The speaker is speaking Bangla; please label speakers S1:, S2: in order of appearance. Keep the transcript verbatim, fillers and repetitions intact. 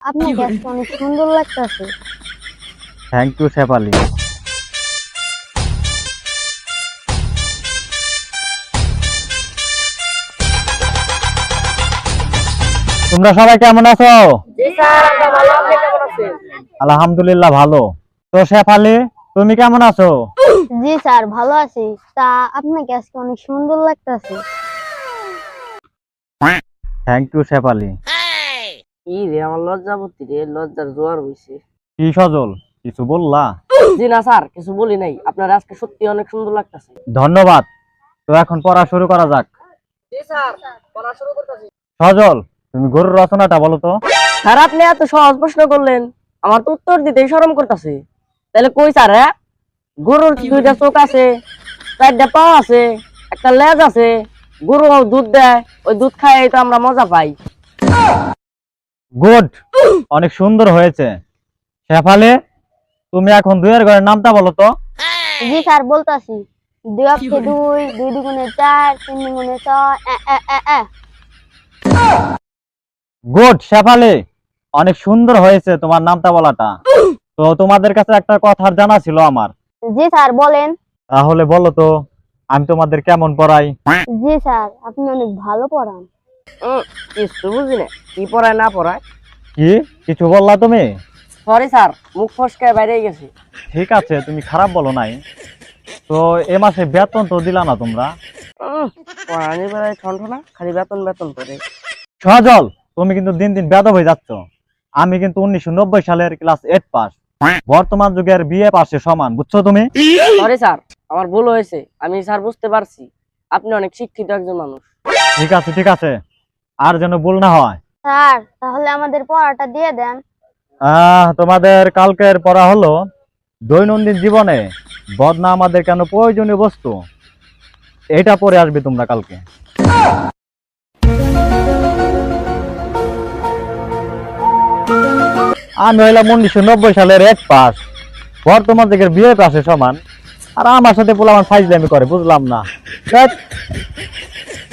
S1: আপনার গ্যাসটা অনেক সুন্দর লাগতেছে।
S2: Thank you Shefali. তোমরা সবাই কেমন আছো?
S3: জি স্যার, আমরা ভালো। আপনি কেমন আছেন?
S2: আলহামদুলিল্লাহ ভালো। তো শেফালি, তুমি কেমন আছো?
S1: জি স্যার, ভালো আছি। তা আপনার গ্যাসটা অনেক সুন্দর লাগতেছে।
S2: Thank you Shefali.
S3: কি রে, আমার লজ্জাবতী রে, লজ্জার জোয়ার হইছে।
S2: কি সজল, কিছু বললা?
S3: জি না স্যার, কিছু বলি নাই। আপনার আজকে সত্যি অনেক সুন্দর লাগতেছে।
S2: ধন্যবাদ। তো এখন পড়া শুরু করা যাক।
S3: জি স্যার, পড়া শুরু করতেছি।
S2: সজল, তুমি গরুর রচনাটা বলো তো।
S3: স্যার, আপনি এত সহজ প্রশ্ন করলেন, আমার তো উত্তর দিতেই শরম করতেছে। তাহলে কই স্যার? হ্যাঁ, গরুর দুইটা চোখ আছে, চারটা পা আছে, একটা লেজ আছে, গরু দুধ দেয়, ওই দুধ খাই তো আমরা মজা পাই।
S2: গুড, অনেক সুন্দর হয়েছে। শেফালি, তুমি এখন দুইয়ের ঘরের নামটা বলো তো।
S1: জি স্যার, বলতাছি। দুই অক্ষে দুই, দুই দুগুণে চার, তিন দুগুণে ছয়। এ, এ, এ, এ।
S2: গুড শেফালি, অনেক সুন্দর হয়েছে তোমার নামটা বলাটা। তো তোমাদের কাছে একটা কথা জানা ছিল আমার।
S1: জি স্যার, বলেন।
S2: তাহলে বলো তো, আমি তোমাদের কেমন পড়াই?
S1: জি স্যার, আপনি অনেক ভালো পড়ান।
S3: উম, কিছু বুঝি না, কি পড়ায় না পড়ায়।
S2: কি কিছু বললা তুমি?
S3: সরি স্যার, মুখ ফসকায় বাইরে গেছি।
S2: ঠিক আছে, তুমি খারাপ বলো নাই। তো এ মাসে বেতন তো দিলা না তোমরা?
S3: উম, পড়ানি বেলায় ঠন্ঠ না, খালি বেতন বেতন করে।
S2: সজল, তুমি কিন্তু দিন দিন বেয়াদব হয়ে যাচ্ছ। আমি কিন্তু উনিশশো নব্বই সালের ক্লাস এইট পাস, বর্তমান যুগের বিএ পাসের সমান, বুঝছো তুমি?
S3: সরি স্যার, আমার ভুল হয়েছে। আমি স্যার বুঝতে পারছি আপনি অনেক শিক্ষিত একজন মানুষ।
S2: ঠিক আছে ঠিক আছে, আর যেন ভুল না হয়।
S1: স্যার, তাহলে আমাদের পড়াটা দিয়ে দেন।
S2: আহ তোমাদের কালকের পড়া হলো দৈনন্দিন জীবনে বদনা আমাদের কেন প্রয়োজনীয় বস্তু। এটা পড়ে আসবে তোমরা কালকে। আমি হইলাম উনিশশো নব্বই সালের এক পাস, বর্তমান যুগের বিয়ে পাসের সমান, আর আমার সাথে পোলা আমার ফাইজলামি করে, বুঝলাম না। ধ্যাৎ।